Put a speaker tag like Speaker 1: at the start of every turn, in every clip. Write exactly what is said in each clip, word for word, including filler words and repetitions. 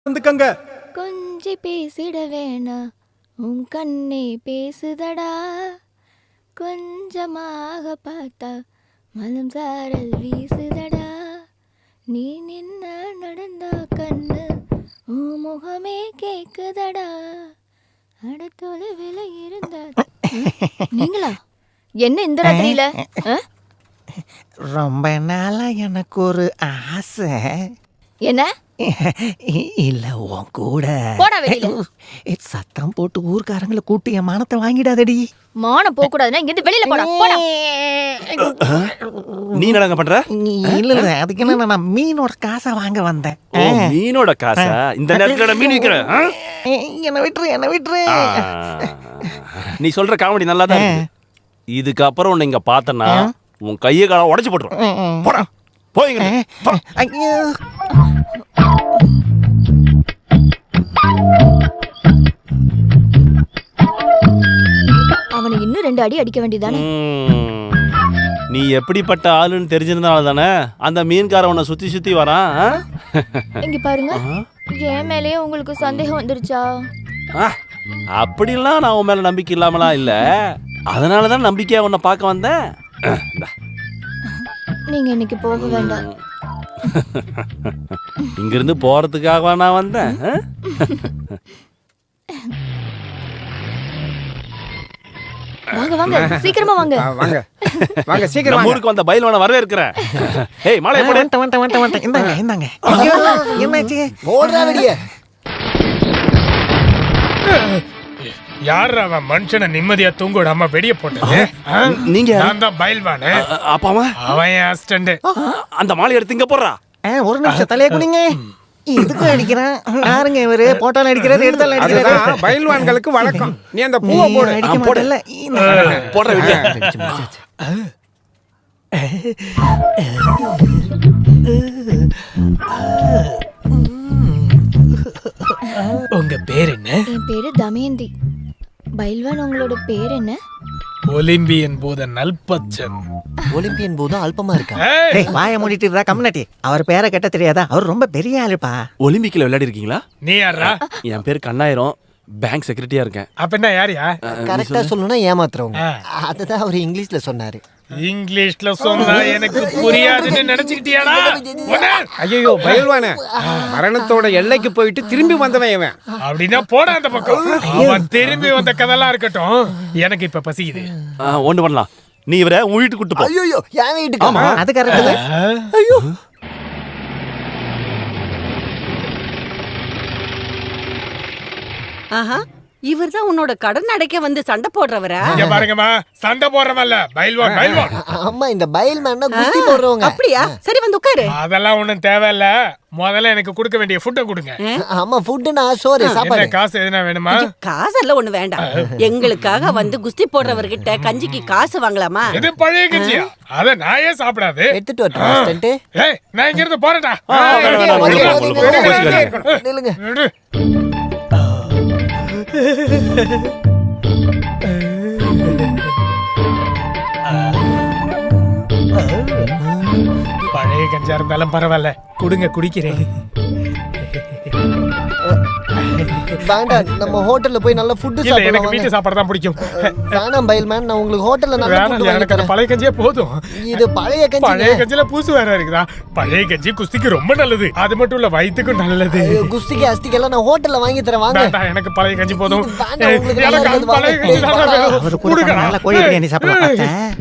Speaker 1: வந்துக்கங்க.
Speaker 2: கொஞ்சி பேசிட வேணா உன் கண்ணே பேசுதடா, கொஞ்சமாக பார்த்தா மலம் சாரல் வீசுதடா, நீ நின்ன நடந்தா கண்ணு உன் முகமே கேக்குதடா, அடுத்தொலைவில் இருந்த. நீங்களா என்ன இந்த ராத்திரியில?
Speaker 3: ரொம்ப நாளா எனக்கு ஒரு ஆசை.
Speaker 2: என்ன?
Speaker 3: இல்ல உன் கூட
Speaker 2: போடா வெளியில.
Speaker 3: சத்தம் போட்டு ஊர்க்காரங்களை கூட்டி என் மானத்தை வாங்கிடாதடி.
Speaker 2: மானம் போக கூடாதுன்னா இங்க இருந்து வெளியில போடா. போடா.
Speaker 4: நீ என்னங்க பண்ற?
Speaker 3: இல்ல இல்ல அதுக்கு என்ன, நான் மீனோட காசை வாங்க வந்தேன்.
Speaker 4: ஓ, மீனோட காசா? இந்த நேரத்துல மீன் விக்கிறேன்.
Speaker 3: என்ன விட்டுரு என்ன விட்டுரு.
Speaker 4: நீ சொல்ற காமெடி நல்லா தான் இருக்கு. இதுக்கப்புறம் உன்னை இங்க பார்த்தனா உன் கையை கால உடைச்சு போட்டுருவேன். போடா போய்ங்க.
Speaker 3: ஐயோ
Speaker 2: அவனை இன்னும் ரெண்டு அடி அடிக்க வேண்டியதானே?
Speaker 4: நீ எப்படிப்பட்ட ஆளுன்னு தெரிஞ்சிருந்தால தானே அந்த மீன்கார உன்னை சுத்தி சுத்தி வரான்.
Speaker 2: இங்க பாருங்க, என் மேலேயே உங்களுக்கு சந்தேகம் வந்துருச்சா?
Speaker 4: அப்படிலாம் நான் உன் மேல நம்பிக்கை இல்லாமலாம் இல்ல, அதனாலதான் நம்பிக்கையா உன்னை பார்க்க வந்தேன்.
Speaker 2: நீங்க இன்னைக்கு போக வேண்டாம்.
Speaker 4: இங்கிருந்து போறதுக்காக நான் வந்தேன்.
Speaker 2: வாங்க வாங்க சீக்கிரமா வாங்க.
Speaker 1: வாங்க வாங்க சீக்கிரம்.
Speaker 4: ஊருக்கு வந்த பயில்வான வரவே இருக்கிறேன். ஏய் மாலை போடு.
Speaker 3: வந்துட்டேன் வந்துட்டேன் வந்துட்டேன் வந்துட்டேன். இந்தாங்க இந்தாங்க. ஐயோ என்னாச்சு?
Speaker 1: போடுறா வெளியே.
Speaker 5: யார் அவன் மனுஷனை நிம்மதியா தூங்க விடாம வெடிய போட்டது?
Speaker 4: நீங்க?
Speaker 5: நான் தான் பயில்வானு.
Speaker 4: அப்பாவா?
Speaker 5: அவன் என் அசிஸ்டன்ட்.
Speaker 4: அந்த மாலை எடுத்து இங்க போடுறா.
Speaker 3: ஒரு நிமிஷம் தலைய குடிங்க. இதுக்கு அடிக்கிறான். யாருங்க இவரு? போட்டாலும் அடிக்கிறாரு, எடுத்தாலும் அடிக்கிறாரு.
Speaker 1: பயில்வான்களுக்கு வழக்கம். நீ அந்த பூவை போடு.
Speaker 3: அடிக்க மாட்டல.
Speaker 4: போடுற விட்டு.
Speaker 5: உங்க பேர் என்ன?
Speaker 2: என் பேரு தமயந்தி. பயில்வான் உங்களோட பேர் என்ன?
Speaker 5: ஒலிம்பியன் போத நல்பச்சன்.
Speaker 6: ஒலிம்பியன் போது அல்பமா இருக்கா?
Speaker 3: வாய மூடிட்டு இருக்கா கம்யூனிட்டி. அவர் பேரை கேட்ட தெரியாதா? அவர் ரொம்ப பெரிய ஆளுப்பா.
Speaker 4: ஒலிம்பிக்ல விளையாடி இருக்கீங்களா?
Speaker 5: நீ யாரா?
Speaker 4: என் பேர் கண்ணாயிரம், பேங்க் செக்ரட்டரியா இருக்கேன்.
Speaker 5: அப்ப என்ன யாரியா?
Speaker 6: கரெக்டா சொல்லணும்னா ஏமாத்துறவங்க. அதுதான் அவர் இங்கிலீஷ்ல சொன்னாரு.
Speaker 5: இங்கிலீஷ்ல சொன்னா எனக்கு புரியாதுன்னு நினைச்சுக்கிட்டியாடா?
Speaker 1: ஐயோ பயில்வானே, மரணத்தோட எல்லைக்கு போயிட்டு திரும்பி வந்தவன் இவன்.
Speaker 5: அப்படின்னா போடா அந்த பக்கம். அவன் திரும்பி வந்த கதெல்லாம் இருக்கட்டும், எனக்கு இப்ப பசிக்குது.
Speaker 4: ஒண்ணு பண்ணலாம், நீ இவரை உன் வீட்டுக்கு கூட்டு போ.
Speaker 6: ஐயோ என் வீட்டுக்கு?
Speaker 3: அது கரெக்ட்.
Speaker 6: ஐயோ
Speaker 7: ஆஹா, இவர் தான் உன்னோட கடன் அடைக்க வந்து சண்டை போடுறவரா?
Speaker 5: இங்க பாருங்கம்மா, சண்டை போடுறவல்ல, பைல்வான் பைல்வான்.
Speaker 6: அம்மா இந்த பைல்மேன்னா குஸ்தி போடுறவங்க.
Speaker 7: அப்படியா? சரி வந்து உட்காரு.
Speaker 5: அதெல்லாம் ஒண்ணும் தேவையில்ல, முதல்ல எனக்கு கொடுக்க வேண்டிய ஃபுட்டை கொடுங்க.
Speaker 6: அம்மா ஃபுட்னா சோறு சாப்பாடு.
Speaker 5: என்ன காசு எதுனா வேணுமா?
Speaker 7: காசெல்லாம் ஒண்ணு வேண்டாம். எங்களுக்காக வந்து குஸ்தி போடுறவர்கிட்ட கஞ்சிக்கு காசு வாங்கலாமா?
Speaker 5: இது பழைய கஞ்சியா? அத நாயே சாப்பிடாது.
Speaker 6: எடுத்துட்டு வரட்டா அசிஸ்டன்ட்?
Speaker 5: ஏய் நான் இங்க இருந்து போறேன்டா.
Speaker 6: நில்லுங்க.
Speaker 5: பழைய கஞ்சா இருந்தாலும் பரவாயில்ல, கொடுங்க குடிக்கிறேன்.
Speaker 6: வேண்டாம், நம்ம ஹோட்டல்ல போய் நல்ல ஃபுட்
Speaker 5: இல்ல,
Speaker 6: சாப்பிடலாம்.
Speaker 5: எனக்கு வீட்டு சாப்பாடு தான் பிடிக்கும்.
Speaker 6: வேணாம் பைல்மேன், நான் உங்களுக்கு ஹோட்டல்ல நல்ல ஃபுட் வாங்கி
Speaker 5: எனக்கு
Speaker 6: தரேன்.
Speaker 5: பழைய கஞ்சியே போதும்.
Speaker 6: இது பழைய கஞ்சி.
Speaker 5: பழைய கஞ்சில பூசு வேற இருக்குதா? பழைய கஞ்சி குஸ்திக்கு ரொம்ப நல்லது, அது மட்டும் இல்ல வயித்துக்கும் நல்லது.
Speaker 6: குஸ்திக்கு அஸ்திக்கு நான் ஹோட்டல்ல வாங்கி தரேன் வாங்க.
Speaker 5: வேண்டாம், எனக்கு பழைய கஞ்சி போதும்.
Speaker 6: வேண்டாம், உங்களுக்கு
Speaker 5: எனக்கு
Speaker 6: நல்லது
Speaker 5: பழைய
Speaker 6: வாங்க.
Speaker 5: கஞ்சி தான் வேணும்.
Speaker 3: அவர் கூட
Speaker 5: கொடுங்க.
Speaker 3: நல்ல கோழி பிரியாணி சாப்பிடலாம் பார்த்தேன்.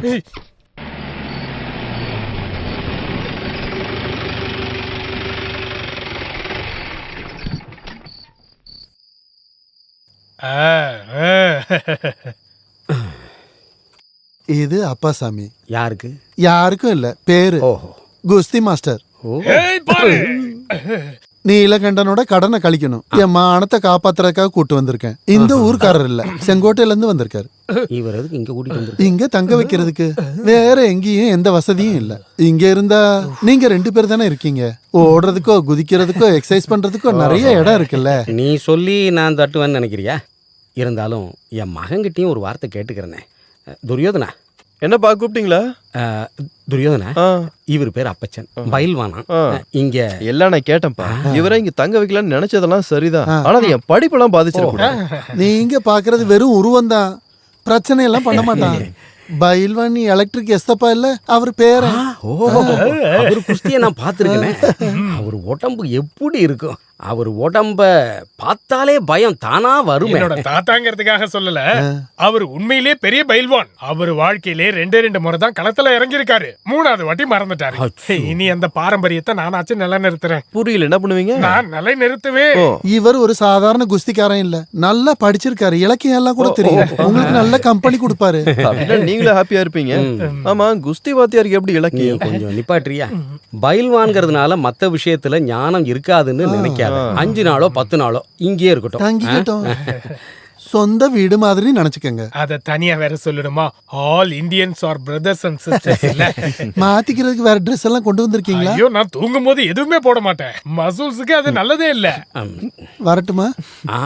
Speaker 8: இது அப்பாசாமி.
Speaker 1: யாருக்கு?
Speaker 8: யாருக்கும் இல்ல, பேரு குஸ்தி மாஸ்டர்.
Speaker 5: ஏய் பாரு,
Speaker 8: நீலகண்டனோட கடனை கழிக்கணும். என் மானத்தை காப்பாத்துறதுக்காக கூட்டு வந்திருக்கேன். இந்த ஊர்க்காரர் இல்ல, செங்கோட்டையில இருந்து வந்திருக்காரு.
Speaker 1: இவர் எதுக்கு இங்க கூட்டிட்டு வந்து?
Speaker 8: இங்க தங்க வைக்கிறதுக்கு வேற எங்கேயும் எந்த வசதியும் இல்ல. இங்க இருந்தா நீங்க ரெண்டு பேர் தானே இருக்கீங்க. ஓடுறதுக்கோ குதிக்கிறதுக்கோ எக்ஸசைஸ் பண்றதுக்கோ நிறைய இடம் இருக்குல்ல.
Speaker 1: நீ சொல்லி நான் தட்டுவேன்னு நினைக்கிறியா? இருந்தாலும் என் மகன்கிட்டயும் ஒரு வார்த்தை கேட்டுக்கிறேனே. துரியோதனா,
Speaker 9: என்னப்பா கூப்பிட்டீங்களா?
Speaker 10: துரியோதன,
Speaker 9: ஆ,
Speaker 10: இவர் பேர் அப்பச்சன், பயில்வானா.
Speaker 9: ஆ.
Speaker 10: இங்க
Speaker 9: எல்லாம் நான் கேட்டேன்ப்பா. இவரை இங்க தங்க வைக்கலாம்னு நினைச்சதெல்லாம் சரிதான். ஆனா அது என் படிப்பெல்லாம் பாதிச்சிடக்கூடாது.
Speaker 8: நீங்க பாக்குறது வெறும் உருவம் தான், பிரச்சனை எல்லாம் பண்ண மாட்டான். பயில்வான் எலக்ட்ரிக் எஸ்தப்பா இல்ல அவர் பேர.
Speaker 10: ஓ, அவர் குஸ்தியை நான் பார்த்துருக்கேன். அவர் உடம்பு எப்படி இருக்கும்? அவர் உடம்ப பார்த்தாலே பயம் தானா வரும்.
Speaker 5: என்னோட தாத்தாங்கிறதுக்காக சொல்லல, அவர் உண்மையிலே பெரிய பயில்வான். அவர் வாழ்க்கையிலே ரெண்டே ரெண்டு முறை தான் களத்துல இறங்கி இருக்காரு. மூணாவது வாட்டி மறந்துட்டாரு. இனி அந்த பாரம்பரியத்தை நானாச்சும் நிலைநிறுத்துறேன்.
Speaker 9: புரியல, என்ன பண்ணுவீங்க?
Speaker 5: நான் நிலை நிறுத்துவேன்.
Speaker 8: இவர் ஒரு சாதாரண குஸ்திக்காரன் இல்ல, நல்லா படிச்சிருக்காரு, இலக்கியம் எல்லாம் கூட தெரியும். உங்களுக்கு நல்ல கம்பெனி கொடுப்பாரு.
Speaker 9: அப்படின்னா நீங்களும் ஹாப்பியா இருப்பீங்க. ஆமா, குஸ்தி வாத்தியாருக்கு எப்படி
Speaker 10: நீ
Speaker 9: இலக்கியம்?
Speaker 10: கொஞ்சம் நிப்பாட்றியா? பயில்வான்கிறதுனால மத்த விஷயத்துல ஞானம் இருக்காதுன்னு நினைக்காத. அஞ்சு நாளோ பத்து நாளோ இங்கே இருக்கட்டும்.
Speaker 8: தங்கிக்கிட்டோம். சொந்த வீடு மாதிரி நினைச்சுக்கங்க.
Speaker 5: அத தனியா வேற சொல்லணுமா? All Indians are brothers and sisters இல்ல.
Speaker 8: மாத்திக்கிறதுக்கு வேற ட்ரெஸ் எல்லாம் கொண்டு வந்திருக்கீங்களா?
Speaker 5: ஐயோ, நான் தூங்கும் போது எதுவுமே போட மாட்டேன். மசூல்ஸுக்கு அது நல்லதே இல்ல.
Speaker 8: வரட்டுமா?
Speaker 10: ஆ,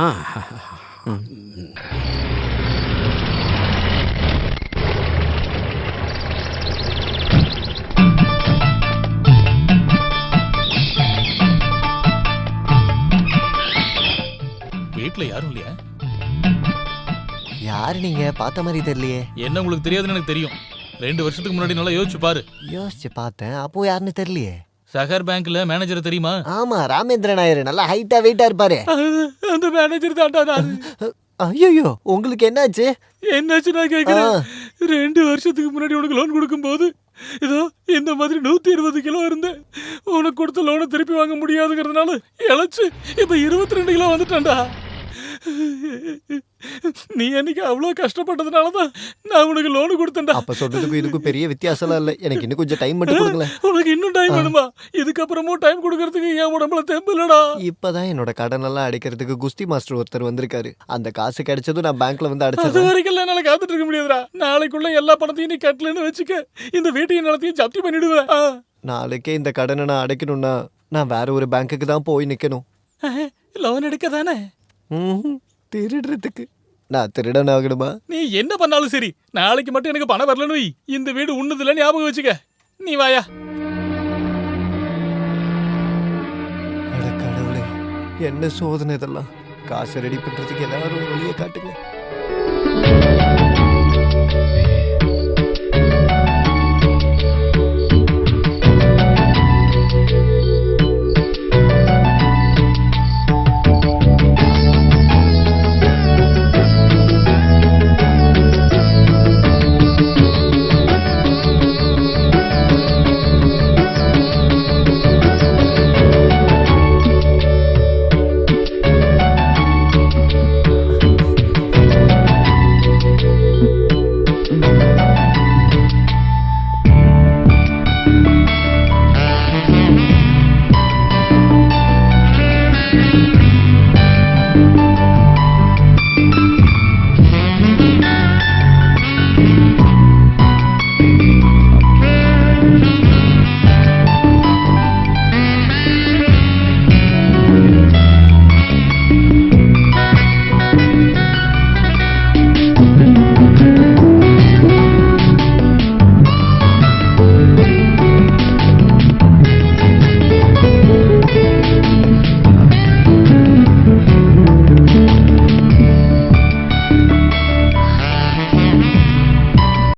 Speaker 11: வீட்ல யாரும் இல்லையா?
Speaker 6: யாரு நீங்க? பார்த்த மாதிரி தெரியலையே.
Speaker 11: என்ன உங்களுக்கு தெரியாதுன்னு எனக்கு தெரியும். ரெண்டு வருஷத்துக்கு முன்னாடி நல்லா யோசிச்சு பாரு.
Speaker 6: யோசிச்சு பார்த்தேன், அப்போ யாருன்னு தெரியலையே.
Speaker 11: சகர் பேங்க்ல மேனேஜர் தெரியுமா?
Speaker 6: ஆமா, ராமேந்திரன் நாயர். நல்லா ஹைட்டா வெயிட்டா இருப்பாரு.
Speaker 11: அந்த மேனேஜர் தான்டா.
Speaker 6: ஐயோ, உங்களுக்கு என்னாச்சு?
Speaker 11: என்னாச்சு நான் கேக்குறேன். ரெண்டு வருஷத்துக்கு முன்னாடி உனக்கு லோன் கொடுக்கும்போது இதோ இந்த மாதிரி நூத்தி இருபது கிலோ இருந்தேன். உனக்கு கொடுத்த லோனை திருப்பி வாங்க முடியாதுங்கிறதுனால இழைச்சு இப்ப இருபத்தி ரெண்டு கிலோ வந்துட்டேன்டா. நீ என்னைக்கு அவ்வளவு கஷ்டப்பட்டதுனாலதான் நான் உனக்கு லோனு கொடுத்தேன்டா.
Speaker 6: அப்ப சொல்றதுக்கும் இதுக்கும் பெரிய வித்தியாசம் இல்ல. எனக்கு இன்னும் கொஞ்சம் டைம் மட்டும் கொடுங்களேன்.
Speaker 11: உனக்கு இன்னும் டைம் வேணுமா? இதுக்கப்புறமும் டைம் கொடுக்கறதுக்கு என் உடம்புல தெம்பு இல்லடா.
Speaker 6: இப்பதான் என்னோட கடன் எல்லாம் அடைக்கிறதுக்கு குஸ்தி மாஸ்டர் ஒருத்தர் வந்திருக்காரு. அந்த காசு கிடைச்சதும் நான் பேங்க்ல வந்து
Speaker 11: அது
Speaker 6: அடைச்சிடுறேன்.
Speaker 11: வரைக்கும் என்னால காத்துட்டு இருக்க முடியாதுடா. நாளைக்குள்ள எல்லா பணத்தையும் நீ கட்டலன்னு வச்சுக்க, இந்த வீட்டையும் நிலத்தையும் ஜப்தி பண்ணிடுவேன். ஆ.
Speaker 6: நாளைக்கே இந்த கடனை நான் அடைக்கணும்னா நான் வேற ஒரு பேங்க்குக்கு தான் போய் நிக்கணும்.
Speaker 11: லோன் எடுக்க தானே?
Speaker 6: ம்ஹும். திருடுறதுக்கு. நான் திருடன் ஆகணுமா?
Speaker 11: நீ என்ன பண்ணாலும் சரி, நாளைக்கு மட்டும் எனக்கு பணம் வரலன்னு வை. இந்த வீடு உன்னதுல ஞாபகம் வச்சுக்க. நீ வாயா.
Speaker 6: அட கடவுளே, என்ன சோதனை இதெல்லாம். காசு ரெடி பண்றதுக்கு எல்லாரும் ஒரு வழியை காட்டுங்க.